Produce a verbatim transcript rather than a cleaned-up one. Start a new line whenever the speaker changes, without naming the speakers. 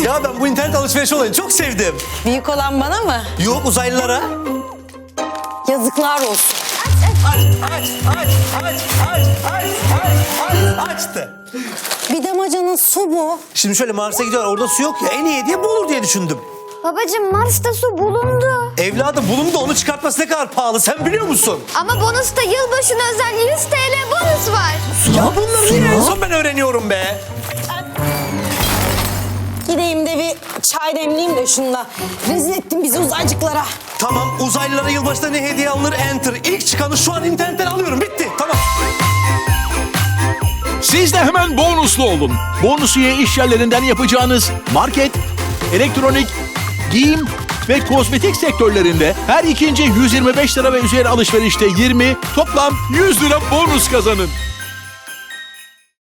Ya ben bu internet alışveriş olayını çok sevdim.
Büyük olan bana mı?
Yok, uzaylılara.
Yazıklar olsun.
Aç, aç, aç, aç, aç, aç, aç, aç, açtı.
Bir damacanın su bu.
Şimdi şöyle Mars'a gidiyorlar, orada su yok ya, en iyi hediye bu olur diye düşündüm.
Babacığım Mars'ta su bulundu.
Evladım bulundu, onu çıkartması ne kadar pahalı sen biliyor musun?
Ama bonusta yılbaşına özel yüz TL bonus var.
Ya bunları niye en son ben öğreniyorum be?
Gideyim de bir çay demleyeyim de şunla. Rezil ettin bizi uzaycıklara.
Tamam, uzaylılara yılbaşında ne hediye alınır? Enter. İlk çıkanı şu an internetten alıyorum, bitti. Tamam.
Siz de hemen bonuslu olun. Bonusiye iş yerlerinden yapacağınız market, elektronik, giyim ve kozmetik sektörlerinde her ikinci yüz yirmi beş lira ve üzeri alışverişte yirmi, toplam yüz lira bonus kazanın.